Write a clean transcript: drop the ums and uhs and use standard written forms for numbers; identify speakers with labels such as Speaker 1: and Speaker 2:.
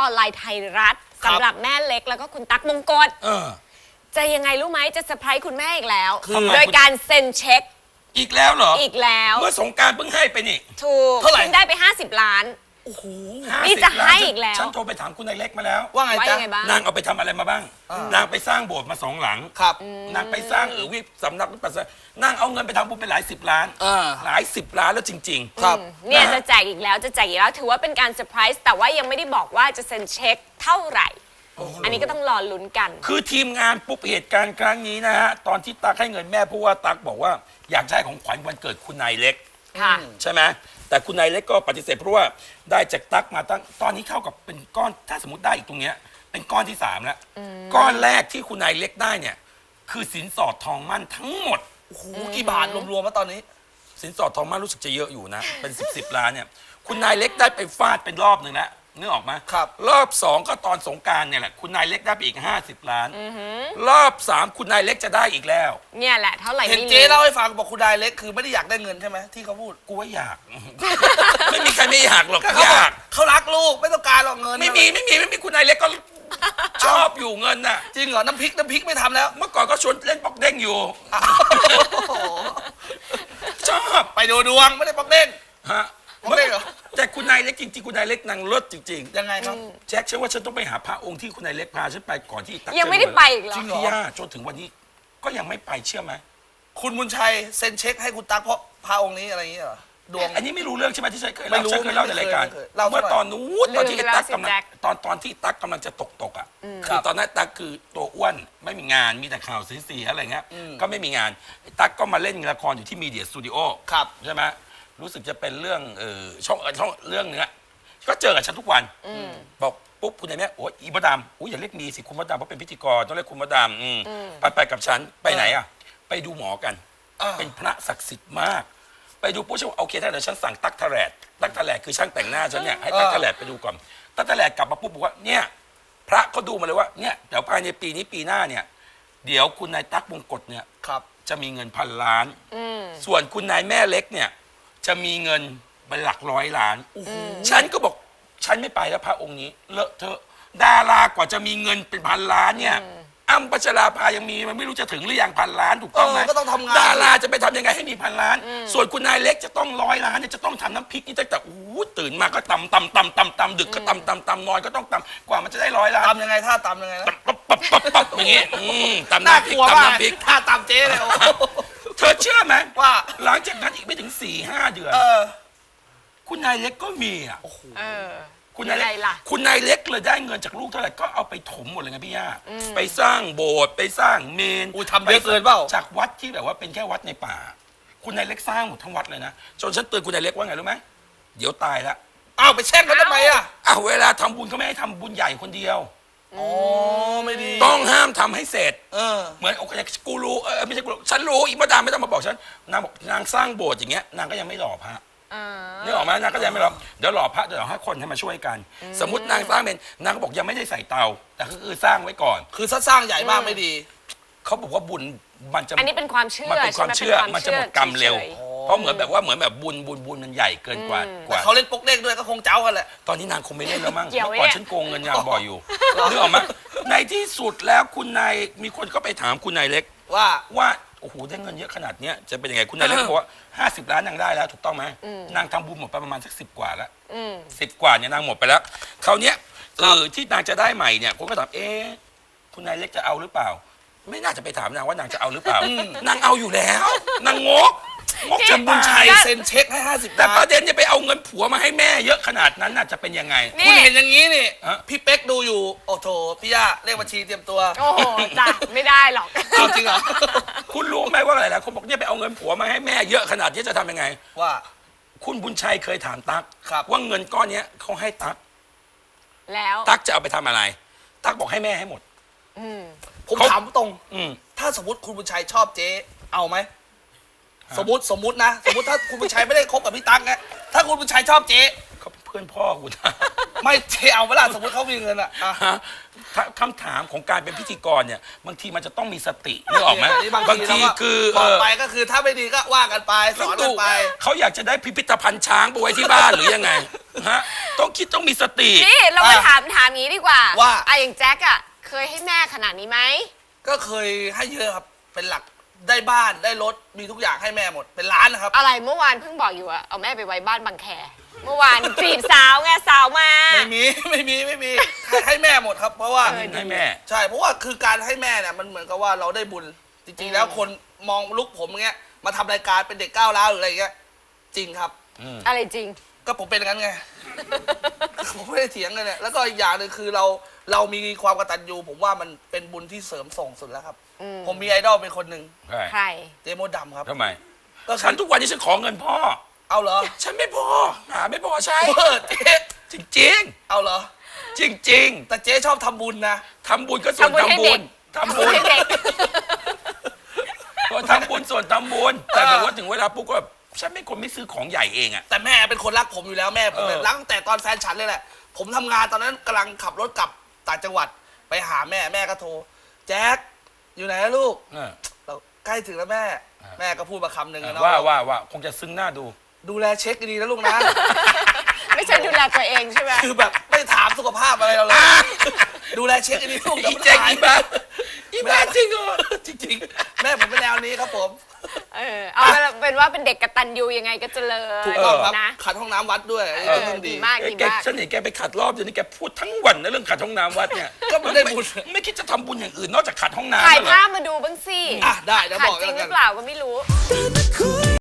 Speaker 1: อนไลน์ไทยรัฐสำหรับแม่เล็กแล้วก็คุณตั๊กมงกฎจะยังไงรู้ไหมจะเซอร์ไพรส์คุณแม่อีกแล้วโดยการเซ็นเช็ค
Speaker 2: อีกแล้วเหรอ
Speaker 1: อีกแล้ว
Speaker 2: เมื่อสงกรานต์เพิ่งให้ไปนี่
Speaker 1: ถูกเท่าไหร่ได้ไป50 ล้าน
Speaker 2: โอ้โห
Speaker 1: นี่จะให้อีกแล้ว
Speaker 2: ฉันโทรไปถามคุณนายเล็กมาแล้ว
Speaker 3: ว่าไงจ๊ะ
Speaker 2: นางเอาไปทำอะไรมาบ้างนางไปสร้างโบสถ์มา2 หลัง
Speaker 3: ครับ
Speaker 2: นางไปสร้างวิสำนักวิปัสสนานางเอาเงินไปทำบุญไปหลาย10 ล้านหลาย10 ล้านแล้วจริงๆ
Speaker 3: ครับ
Speaker 1: เนี่ยจะแจกอีกแล้วจะแจกอีกแล้วถือว่าเป็นการเซอร์ไพรส์แต่ว่ายังไม่ได้บอกว่าจะเซ็นเช็คเท่าไหร่อันนี้ก็ต้องรอลุ้นกัน
Speaker 2: คือทีมงานปุ๊บเหตุการณ์ครั้งนี้นะฮะตอนที่ตั๊กให้เงินแม่เพราะว่าตั๊กบอกว่าอยากได้ของขวัญวันเกิดคุณนายเล็กใช่ไหมแต่คุณนายเล็กก็ปฏิเสธเพราะว่าได้จากตั๊กมาตั้งตอนนี้เข้ากับเป็นก้อนถ้าสมมติได้อีกตรงเนี้ยเป็นก้อนที่3แล้วก้อนแรกที่คุณนายเล็กได้เนี่ยคือสินสอดทองมั่นทั้งหมด
Speaker 3: โอ้โหกี่บาทรวมๆมาตอนนี้
Speaker 2: สินสอดทองมั่นรู้สึกจะเยอะอยู่นะเป็น10 ล้านเนี่ยคุณนายเล็กได้ไปฟาดเป็นรอบหนึ่งแล้วนึกออกไหม
Speaker 3: ครับ
Speaker 2: รอบ2ก็ตอนสงกรานต์เนี่ยแหละคุณนายเล็กได้ไปอีก50 ล้านรอบ3คุณนายเล็กจะได้อีกแล้ว
Speaker 1: เนี่ยแหละเท่าไหร่
Speaker 3: เห็นเจ๊เล่าให้ฟังบอกคุณนายเล็กคือไม่ได้อยากได้เงินใช่ไหมที่เขาพูด
Speaker 2: กูว่าอยาก ไม่มีใครไม่อยากหรอกอยาก
Speaker 3: เขารักลูกไม่ต้องการหรอกเงิน
Speaker 2: ไม่มีคุณนายเล็กก็ชอบอยู่เงินน่ะ
Speaker 3: จริงเหรอน้ำพริกไม่ทำแล้ว
Speaker 2: เมื่อก่อนก็ชวนเล่นป๊อกเด้งอยู่ชอบ
Speaker 3: ไปดูดวงไม่ได้ป๊อกเด้ง
Speaker 2: ฮะแต่คุณนายเล็กจริงๆคุณนายเล็กนางเลิศจริง
Speaker 3: ๆยังไงครับ
Speaker 2: แจ็คฉันว่าฉันต้องไปหาพระองค์ที่คุณนายเล็กพาฉันไปก่อนที่ตั๊ก
Speaker 1: ยังไม่ได้ไปอีกเหรอ
Speaker 2: พี่ย่าจนถึงวันนี้ก็ยังไม่ไปเชื่อไหม
Speaker 3: คุณบุญชัยเซ็นเช็คให้คุณตั๊กเพราะพระองค์นี้อะไรอย่างเงี้ยเหรอดวง
Speaker 2: อันนี้ไม่รู้เรื่องใช่ไหมที่ฉันเคยเล่าในรายการเมื่อตอนนู้นตอนที่ตั๊กกำลังตอนที่ตั๊กกำลังจะตกอ่ะคือตอนนั้นตั๊กคือตัวอ้วนไม่มีงานมีแต่ข่าวเสียๆอะไรเงี้ยก็ไม่มีงานตั๊กก็มาเล่นละครอยู่ที่มีเดียสตูดิโอใช่ไหมรู้สึกจะเป็นเรื่องช่องเรื่องเนื้อก็เจอกับฉันทุกวันบอกปุ๊บคุณนายแม่โอ้ยอีมดดำอย่าเรียกมีสิคุณมดดำเพราะเป็นพิธีกรต้องเรียกคุณมดดำไปกับฉันไปไหนอ่ะไปดูหมอกันเป็นพระศักดิ์สิทธิ์มากไปดูปุ๊บฉันโอเคถ้าเดี๋ยวฉันสั่งตั๊กทะแลดคือช่างแต่งหน้าฉันเนี่ยให้ตั๊กทะแลดไปดูก่อนตั๊กทะแลดกลับมาปุ๊บบอกว่าเนี่ยพระเขาดูมาเลยว่าเนี่ยเดี๋ยวภายในปีนี้ปีหน้าเนี่ยเดี๋ยวคุณนายตั๊กมงกฎเนี่ยจะมีเงิน1,000 ล้านส่วนคุณนายแม่เล็กเนี่ยจะมีเงินเป็นหลัก100 ล้านฉันก็บอกฉันไม่ไปแล้วพระองค์นี้เลอะเทอะดารากว่าจะมีเงินเป็น1,000 ล้านเนี่ยอ้ำพัชราภายังมีมันไม่รู้จะถึงหรือยัง1,000 ล้านถูกต้องไหม
Speaker 3: ก็ต้องทำงาน
Speaker 2: ดาราจะไปทำยังไงให้มี1,000 ล้านส่วนคุณนายเล็กจะต้อง100 ล้านเนี่ยจะต้องทำน้ำพริกนี่ตั้งแต่ตื่นมาก็ตำดึกก็ตำนอนก็ต้องตำกว่ามันจะได้100 ล้าน
Speaker 3: ตำยังไงถ้าตำยังไงนะ
Speaker 2: ปั๊บอย่างงี้ตำน้ำพริก
Speaker 3: ถ้าตำเจ๊เลย
Speaker 2: เธอเชื่อไหม
Speaker 3: ว่า
Speaker 2: หลังจากนั้นอีกไม่ถึง 4-5 เดือนคุณนายเล็กก็มีอ่ะคุณนายเล็กเลยได้เงินจากลูกเท่าไหร่ก็เอาไปถมหมดเลยไงพี่ย่าไปสร้างโบสถ์ไปสร้างเมน
Speaker 3: ทำเยอะเกินเปล่า
Speaker 2: จากวัดที่แบบว่าเป็นแค่วัดในป่าคุณนายเล็กสร้างหมดทั้งวัดเลยนะจนฉันเตือนคุณนายเล็กว่าไงรู้ไหมเดี๋ยวตายแล้ว
Speaker 3: อ้าวไปแช่งเขาทำไมอ่ะ
Speaker 2: เวลาทำบุญเขาไม่ให้ทำบุญใหญ่คนเดียว
Speaker 3: ไม่ดี
Speaker 2: ต้องห้ามทำให้เสร็จเหมือนโอเคกูรู้ไม่ใช่กูรู้ฉันรู้อีกมาดามไม่ต้องมาบอกฉันนางบอกนางสร้างโบสถ์อย่างเงี้ยนางก็ยังไม่หล่อพระนี่ออกมานางก็ยังไม่หล่อเดี๋ยวหล่อพระเดี๋ยวให้คนให้มาช่วยกันสมมตินางสร้างเป็นนางก็บอกยังไม่ได้ใส่เตาแต่ก็คือสร้างไว้ก่อน
Speaker 3: คือถ้าสร้างใหญ่มากไม่ดี
Speaker 2: เขาบอกว่าบุญมันจะ
Speaker 1: อันนี้เป็นความเชื่อ
Speaker 2: มันเป็นความเชื่อมันจะหมดกรรมเร็วเพราะเหมือนแบบบุญมันใหญ่เกินกว่า
Speaker 3: เขาเล่นป๊กเด้งด้วยก็คงเจ้ากันแหละ
Speaker 2: ตอนนี้นางคงไม่เล่นแล้วมั้งเมื่อก่อนฉันโกงเงินนางบ่อยอยู่นึกออกไหมในที่สุดแล้วคุณนายมีคนก็ไปถามคุณนายเล็กว่าโอ้โหได้เงินเยอะขนาดนี้จะเป็นยังไงคุณนายเล็กบอกว่า50 ล้านนางได้แล้วถูกต้องไหมนางทำบุญหมดไปประมาณสัก10 กว่าแล้ว10 กว่าเนี่ยนางหมดไปแล้วคราวนี้ที่นางจะได้ใหม่เนี่ยคนก็ถามคุณนายเล็กจะเอาหรือเปล่าไม่น่าจะไปถามนางว่านางจะเอาหรือเปล่านางเอาอยู่แล้วนางงก
Speaker 3: จำบุญชัยเซ็นเช็คให้50
Speaker 2: แต่ประเด็นจะไปเอาเงินผัวมาให้แม่เยอะขนาดนั้นน่ะจะเป็นยังไง
Speaker 3: คุณเห็นอย่างนี้นี่พี่เป๊กดูอยู่โอ้โถพี่ย่าเลขบัญชีเตรียมตัว
Speaker 1: โอ้จ้ะไม่ได้หรอก
Speaker 3: จริงเหรอ
Speaker 2: คุณรู้ไหมว่าหลายๆคนบอกเนี่ยไปเอาเงินผัวมาให้แม่เยอะขนาดนี้จะทำยังไง
Speaker 3: ว่า
Speaker 2: คุณบุญชัยเคยถามตั๊กว่าเงินก้อนนี้เขาให้ตั๊ก
Speaker 1: แล้ว
Speaker 2: ตั๊กจะเอาไปทำอะไรตั๊กบอกให้แม่ให้หมด
Speaker 3: ผมถามตรงถ้าสมมติคุณบุญชัยชอบเจ๊เอาไหมสมมตินะสมมติถ้าคุณบุญชัยไม่ได้คบกับพี่ตั๊กนะถ้าคุณบุญชัยชอบเจ๊
Speaker 2: เขาเป็นเพื่อนพ่อคุณ
Speaker 3: ไม่เจ๊เอาเวลาสมมติเขามีเงินอะ
Speaker 2: คำถามของการเป็นพิธีกรเนี่ยบางทีมันจะต้องมีสตินึกออกไหมบางทีคือ
Speaker 3: บอกไปก็คือถ้าไม่ดีก็ว่ากันไปสอนกันไป
Speaker 2: เขาอยากจะได้พิพิธภัณฑ์ช้างไปไว้ที่บ้านหรือยังไงฮะต้องคิดต้องมีสติ
Speaker 1: นี่เรามาถามงี้ดีกว่า
Speaker 3: ว่า
Speaker 1: อย่างแจ็คอะเคยให้แม่ขนาดนี้ไหม
Speaker 3: ก็เคยให้เยอะครับเป็นหลักได้บ้านได้รถมีทุกอย่างให้แม่หมดเป็นล้านนะครับ
Speaker 1: อะไรเมื่อวานเพิ่งบอกอยู่อะเอาแม่ไปไว้บ้านบางแคเมื่อวานจีบสาวไงสาวมา
Speaker 3: ไม่มี ให้แม่หมดครับ เพราะว่า
Speaker 2: ให้แม่
Speaker 3: ใช่เพราะว่าคือการให้แม่เนี่ยมันเหมือนกับว่าเราได้บุญจริงๆแล้วคนมองลุกผมอย่างเงี้ยมาทำรายการเป็นเด็กก้าวร้าวหรืออะไรอย่างเงี้ยจริงครับ
Speaker 1: อะไรจริง
Speaker 3: ก็ผมเป็นอย่างนั้นไง ผมไม่ได้เถียงกันเนี่ยแล้วก็อีกอย่างหนึ่งคือเรามีความกตัญญูผมว่ามันเป็นบุญที่เสริมส่งสุดแล้วครับ ผมมีไอดอลเป็นคนหนึ่ง
Speaker 1: ใคร
Speaker 3: เจมดดำครับ
Speaker 2: ทำไม
Speaker 3: ก็
Speaker 2: ฉันทุกวันนี้ฉันขอเงินพ่อ
Speaker 3: เอาเหรอ
Speaker 2: ฉันไม่พอหาไม่พอใช่
Speaker 3: เจ๊
Speaker 2: จริง
Speaker 3: เอาเหรอ
Speaker 2: ๆ จริง
Speaker 3: แต่เจ๊ชอบทำบุญนะ
Speaker 2: ๆทำบุญก็ส่วน
Speaker 1: ทำบุญให้
Speaker 2: ทำ
Speaker 1: เด็
Speaker 2: บุ
Speaker 1: ก
Speaker 2: ญทำบุญ
Speaker 1: ให้เด็ก
Speaker 2: ก็ทำบุญส่วนทำบุญแต่แบบว่าถึงเวลาปุ๊บก็แบบฉันไม่คนไม่ซื้อของใหญ่เองอะ
Speaker 3: แต่แม่เป็นคนรักผมอยู่แล้วแม่ผมเนี่ยรักตั้งแต่ตอนแฟนฉันเลยแหละ ผมทำงานตอนนั้นกำลังขับรถกลับต่างจังหวัดไปหาแม่ก็โทรแจ็คอยู่ไหนนะลูก เราใกล้ถึงแล้วแม่ แม่ก็พูดมาคำหนึ่งนะ
Speaker 2: ว่าคงจะซึ้งหน้าดู
Speaker 3: ดูแลเช็คดีๆนะลูกนะ
Speaker 1: ไม่ใช่ดูแลตัวเองใช่ไหม
Speaker 3: คือแบบไม่ถามสุขภาพอะไรเราเลยดูแลเช็คดีๆลูก
Speaker 2: อีแจ็คอีบ้าอีบ้าจริงเหรอ
Speaker 3: จริงๆแม่ผมเป็นแนวนี้ครับผม
Speaker 1: เอาเป็นว่าเป็นเด็กกตัญญูยังไงก็เจริญ
Speaker 3: ถูกต้องครับ
Speaker 1: นะ
Speaker 3: ขัดห้องน้ำวัดด้วยอันนี้เป็นเรื่อง
Speaker 1: ดี
Speaker 3: ดี
Speaker 1: มากดี
Speaker 2: แก
Speaker 1: มาก
Speaker 2: ฉันเห็นแกไปขัดรอบเดี๋ยวนี้แกพูดทั้งวันนะเรื่องขัดห้องน้ำวัดเนี่ย
Speaker 3: ก็ไม่ได้บุญ
Speaker 2: ไม่คิดจะทำบุญอย่างอื่นนอกจากขัดห้องน้ำ
Speaker 1: ถ่าย
Speaker 2: เหรอ
Speaker 1: ภาพมาดูบ้างสิ
Speaker 3: อ่ะได้เดี๋ยว
Speaker 1: ขา
Speaker 3: บ
Speaker 1: ด
Speaker 3: อก
Speaker 1: จริ
Speaker 3: แล้ว
Speaker 1: งห
Speaker 3: กั
Speaker 1: รื
Speaker 3: น
Speaker 1: อเปล่าก็ไม่รู้